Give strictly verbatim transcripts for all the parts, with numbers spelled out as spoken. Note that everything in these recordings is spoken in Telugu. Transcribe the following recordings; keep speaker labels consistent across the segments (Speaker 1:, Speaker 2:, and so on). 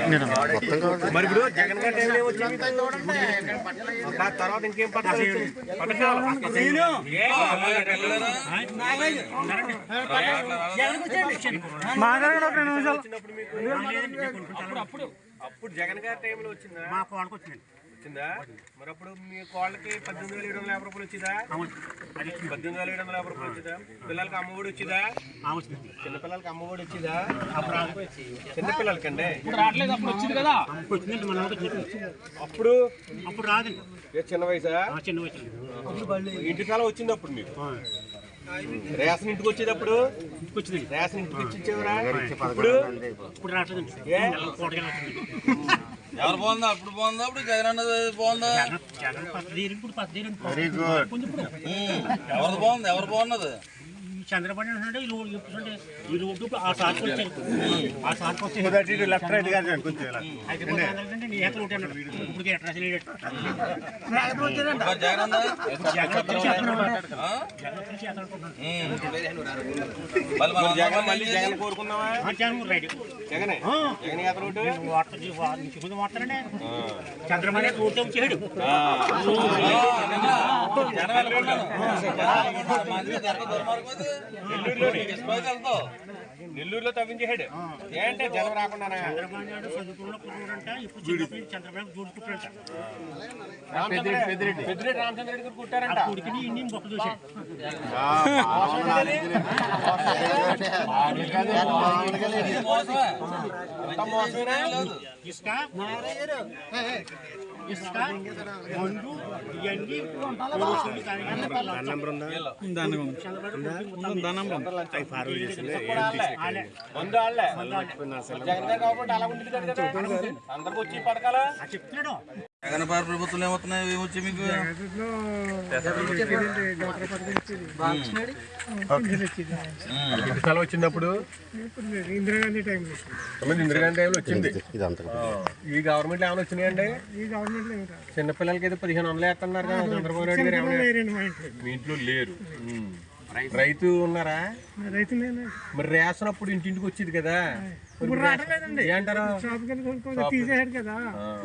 Speaker 1: మరి ఇప్పుడు జగన్ గారి టైంలో ఏమొచ్చింది తర్వాత ఇంకేం పథకాలు అప్పుడు జగన్ గారి టైంలో వచ్చిందా?
Speaker 2: మా కోళ్ళకి వచ్చిందండి.
Speaker 1: వచ్చిందా? మరి అప్పుడు మీ కోళ్ళకి పద్దెనిమిది వేల ఏడు వందల యాభై రూపాయలు వచ్చిందా? పద్దెనిమిది వేల ఏడు వందల యాభై రూపాయలు వచ్చిందా? పిల్లలకి అమ్మఒడి వచ్చిందా? చిన్నపిల్లలకి అమ్మఒడి వచ్చిందా? చిన్నపిల్లలకి అండి అప్పుడు
Speaker 2: అప్పుడు రాదండి.
Speaker 1: చిన్న వయసా?
Speaker 2: చిన్న వయసు
Speaker 1: ఇంటి కాలం వచ్చింది అప్పుడు మీకు. రేషన్ ఇంటికి వచ్చేటప్పుడు
Speaker 2: వచ్చింది.
Speaker 1: రేషన్ ఇంటికి వచ్చి ఇచ్చేవరా? ఇప్పుడు
Speaker 2: ఇప్పుడు రావట్లేదండి.
Speaker 3: ఎవరు బాగుందా? అప్పుడు బాగుందా? అప్పుడు జగన్ అన్నది బాగుందా?
Speaker 2: Very good.
Speaker 3: ఎవరు బాగుంది? ఎవరు బాగున్నది?
Speaker 2: చంద్రబాబు అంటున్నాడు ఈ రోడ్డు చెప్తుంటే ఈ రోడ్డు ఆ సార్కి వచ్చారు. ఆ సార్కి వచ్చి
Speaker 1: లెఫ్ట్ రైట్ కాదు కొంచెం
Speaker 2: అయితే నీ ఏకలు ఉంటాడు. ఇప్పుడు అడ్రస్ లేడు.
Speaker 3: జగన్ అన్న
Speaker 1: జగన్ మళ్ళీ జగన్ కోరుకుందామా?
Speaker 2: రైట్
Speaker 1: జగనే జగన్ యాత్ర రోడ్డు
Speaker 2: వాడతారండి. చంద్రబాబు రోడ్డు వచ్చాడు.
Speaker 1: నెల్లూరులో తవ్వించాడు. ఏంటంటే జనం రాకుండా
Speaker 2: చంద్రబాబు చూడుకుంటారంట.
Speaker 1: పెద్దిరెడ్డి రామచంద్ర రెడ్డి గారు కుట్టారంట.
Speaker 2: ఉడికిని ఇన్ని మొక్క చూశాడు. ఇసుక ఇసుక మందు ఇవన్నీ
Speaker 1: అందరికి వచ్చి పథకాలు
Speaker 2: చెప్తున్నాడు.
Speaker 3: జగన్ పార్టీ ప్రభుత్వం ఏమవుతున్నాయి? ఏమొచ్చి మీకు
Speaker 1: స్థలం వచ్చినప్పుడు
Speaker 4: ఇందిరాగాంధీ టైంలో
Speaker 1: ఇందిరాగాంధీ టైంలో వచ్చింది. ఈ గవర్నమెంట్ ఏమైనా వచ్చినాయండి?
Speaker 4: ఈ గవర్నమెంట్
Speaker 1: చిన్నపిల్లలకి అయితే పదిహేను వందలు వేస్తున్నారు కదా చంద్రబాబు నాయుడు గారు. ఏమైనా మీ ఇంట్లో లేరు. రైతు ఉన్నారా?
Speaker 4: రైతు
Speaker 1: మరి రేషన్ అప్పుడు ఇంటింటికి వచ్చేది కదా.
Speaker 4: ఇప్పుడు రావట్లేదండి.
Speaker 1: ఏంటారు
Speaker 4: తీసేసాడు కదా.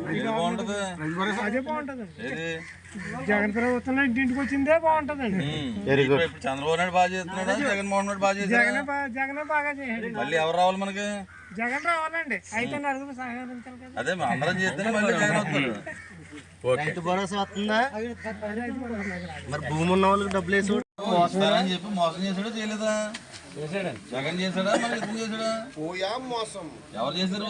Speaker 4: అదే బాగుంటది. జగన్ ప్రభుత్వంలో ఇంటింటికి వచ్చిందే బాగుంటదండి.
Speaker 3: చంద్రబాబు నాయుడు బాగా చేస్తున్నాడా? జగన్మోహన్ రెడ్డి బాగా చేస్తున్నాడా?
Speaker 4: జగన్ జగన్ బాగా చేయాలి.
Speaker 3: మళ్ళీ ఎవరు రావాలి మనకి?
Speaker 4: జగన్ రావాలండి. అయితే నలుగురు సహకరించాలి కదా.
Speaker 3: అదే అందరం చేస్తేనే మళ్ళీ జగన్ వస్తారు.
Speaker 2: రైతు భరోసా వస్తుందా? మరి భూమి ఉన్న వాళ్ళకి డబ్బులు వేసి
Speaker 3: అని చెప్పి మోసం చేశాడా చేయలేదా? జగన్ చేశాడా మరి ఇతను చేశాడా? ఎవరు చేశారు?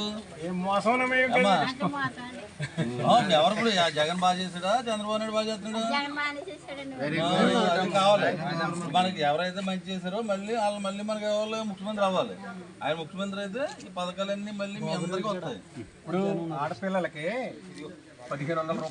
Speaker 3: ఎవరు ఇప్పుడు జగన్ బాగా చేశాడా చంద్రబాబు నాయుడు బాగా చేస్తున్నాడా? అది కావాలి మనకి. ఎవరైతే మంచి చేశారో మళ్ళీ వాళ్ళు మళ్ళీ మనకి ఎవరు ముఖ్యమంత్రి అవ్వాలి. ఆయన ముఖ్యమంత్రి అయితే ఈ పథకాలన్నీ మళ్ళీ మీ అందరికీ వస్తాయి.
Speaker 1: ఇప్పుడు ఆడపిల్లలకి పదిహేను వందల